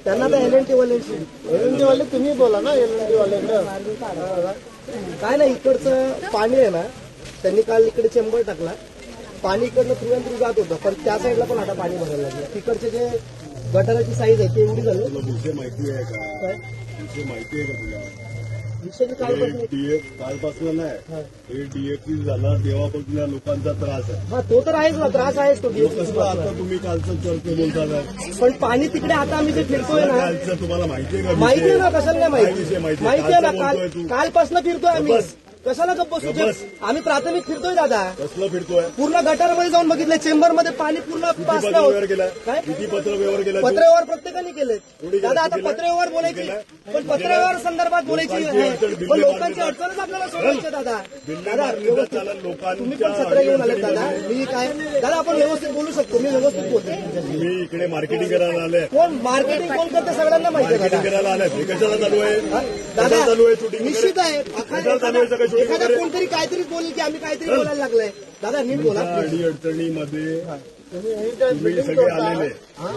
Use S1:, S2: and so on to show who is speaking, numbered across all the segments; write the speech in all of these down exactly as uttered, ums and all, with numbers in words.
S1: त्यांना तर L N T वाल्यांशी एल एन टी वाले तुम्ही बोला ना एल एन टी वाल्यांना काय नाही. इकडचं पाणी आहे ना, त्यांनी काल इकडे चेंबर टाकला, पाणी इकडनं थ्रू अँड थ्रू जात होतं, पण त्या साईडला पण आता पाणी भरायला लागलं. तिकडचे जे गटाराची साईज आहे ती एवढी झाली.
S2: विषय माहिती आहे का?
S1: काय
S2: विषय माहिती आहे का तुला?
S1: विषय कालपासून
S2: डीएफ कालपासून नाही, हे डीएफसी झाला तेव्हापासून या लोकांचा त्रास आहे.
S1: हा तो तर आहेच ना, त्रास आहेच तो
S2: कसं आता तुम्ही कालचं चर्चा बोलता,
S1: पण पाणी तिकडे आता आम्ही जे फिरतोय ना,
S2: कालचं तुम्हाला माहिती आहे का?
S1: माहिती आहे ना, कशाला नाही
S2: काय विषय
S1: माहिती,
S2: माहिती
S1: माहिती आहे ना.
S2: कालचं
S1: काल
S2: बोलतोय तू.
S1: कालपासून फिरतोय आम्ही,
S2: बस.
S1: कशाला गप्प बसू? जे- आम्ही प्राथमिक फिरतोय दादा,
S2: कसलं फिरतोय?
S1: पूर्ण गटारमध्ये जाऊन बघितलं, चेंबरमध्ये पाणी पूर्ण
S2: किती
S1: पासलं
S2: पत्र
S1: होतं.
S2: व्यवहार केला?
S1: काय
S2: किती पत्र व्यवहार केला? तू?
S1: पत्रव्यवहार प्रत्येकाने केले
S2: कोणी केलं?
S1: दादा. आता
S2: तू केलं?
S1: पत्रव्यवहार बोलायची,
S2: केलं?
S1: पण पत्रव्यवहार संदर्भात बोलायची
S2: लोकांची
S1: आहे,
S2: अडचण,
S1: पण
S2: बिल्ले
S1: लोकांची
S2: मारली
S1: अडचणच आपल्याला सोडायची दादा.
S2: बिल्ले
S1: दादा
S2: मारली
S1: व्यवस्थित
S2: जाताना लोकांच्या
S1: तुम्ही पण सत्र घेऊन आले दादा.
S2: अडचणीमध्ये
S1: मी काय दादा, आपण व्यवस्थित बोलू शकतो, मी व्यवस्थित बोलतो.
S2: तुम्ही इकडे मार्केटिंग करायला आले,
S1: कोण मार्केटिंग कोण करते सगळ्यांना माहिती आहे
S2: मार्केटिंग
S1: दादा.
S2: करायला आले. हे कशाला चालू आहे?
S1: दादा
S2: कशाला चालू आहे शूटिंग?
S1: निश्चित आहे.
S2: कशाला चालू आहे सगळं शूटिंग
S1: एखादा
S2: वगैरे?
S1: कोणतरी काहीतरी बोलेल की आम्ही काहीतरी बोलायला लागलंय. दादा नीट बोला.
S2: अडी अडचणीमध्ये तुम्ही सगळे आलेले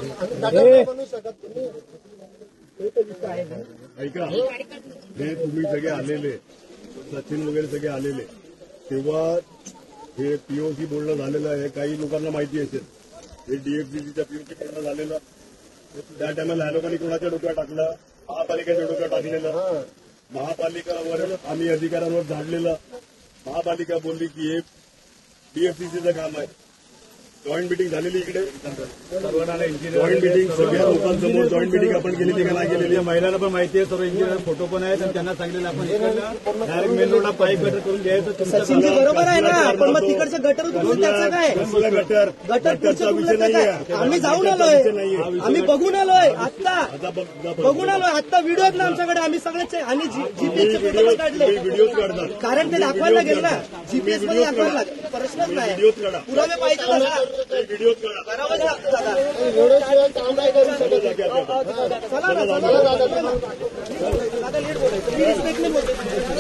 S2: ऐका, हे तुम्ही सगळे आलेले, सचिन वगैरे सगळे आलेले, तेव्हा हे पीओसी बोलणं झालेलं आहे. काही लोकांना माहिती असेल, हे डीएफसीसीच्या पीओसी बोलणं झालेलं. त्या टायमाला ह्या लोकांनी कोणाच्या डोक्यात टाकलं? महापालिकेच्या डोक्यात टाकलेलं. महापालिकावर आम्ही अधिकाऱ्यांवर झाडलेलं. महापालिका बोलली की हे डीएफसीसीचं काम आहे. जॉईंट मिटिंग झालेली इकडे, जॉईंट मिटिंग सगळ्या लोकांसमोर जॉईंट मिटिंग आपण केलेली का नाही केलेली?
S3: महिलांना पण माहिती आहे, सर्व इंजिनियर फोटो पण आहेत आणि त्यांना सांगितलेलं आपण डायरेक्ट मेन रोडला पाईप गटर करून घ्यायचं.
S1: सचिनजी बरोबर आहे ना, पण मग तिकडचं गटर उतरून त्याचं काय?
S2: कसलं गटर?
S1: गटर
S2: गटरचा विषय नाहीये.
S1: आम्ही जाऊन आलोय, आम्ही बघून आलोय आत्ता,
S2: आता बघ- बघ-
S1: बघून आलोय आत्ता. व्हिडिओ आहेत ना आमच्याकडे, आम्ही सगळेच आहे. आणि जीपीएसचे फोटो पण काढले,
S2: व्हिडिओज काढतात.
S1: कारण ते दाखवायला लागेल ना, जीपीएस मध्ये दाखवायला लागेल. प्रश्नच नाही,
S2: व्हिडिओज काढा,
S1: पुरावे पाहिजे दादा.
S2: व्हिडिओज काढा.
S1: करावंच लागतं दादा.
S2: चला जागे आता.
S1: चला ना, चला ना दादा. दादा नीट बोलायचं, मी रिस्पेक्टने बोलतो.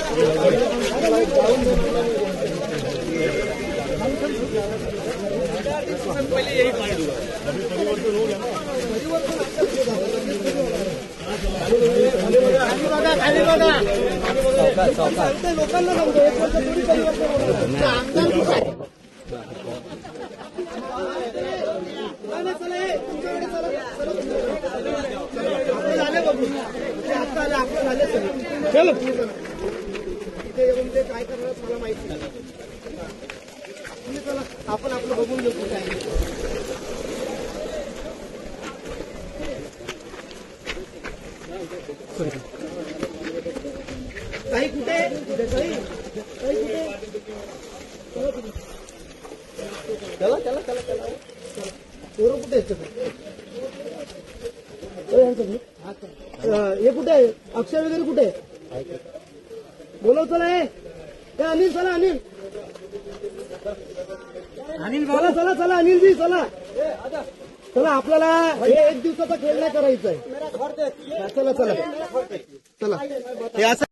S1: सांगतोय लोकांना, सांगतो एक वर्ष थोडी परिवर्तन होणार. आमदार कुठं आहे? नाही, नाही, चला, हे, तुमच्याकडे चला, चला, तुमच्याकडे. आपले झाले बघून, ते आत्ता आले, आपले झाले सगळे. चलो इथे येऊन ते काय करणार मला माहिती नाही. तुम्ही चला, आपण आपलं बघून घेऊ काय. काही कुठे काही काही कुठे चला चला चला चला पोरं कुठे आहेत हे कुठे आहे? अक्षय वगैरे कुठे आहे? बोलव चला. हे अनिल चला, अनिल अनिल बोला. चला चला अनिलजी चला चला. आपल्याला हे एक दिवसाचा खेळ नाही करायचा आहे. चला चला चला हे असं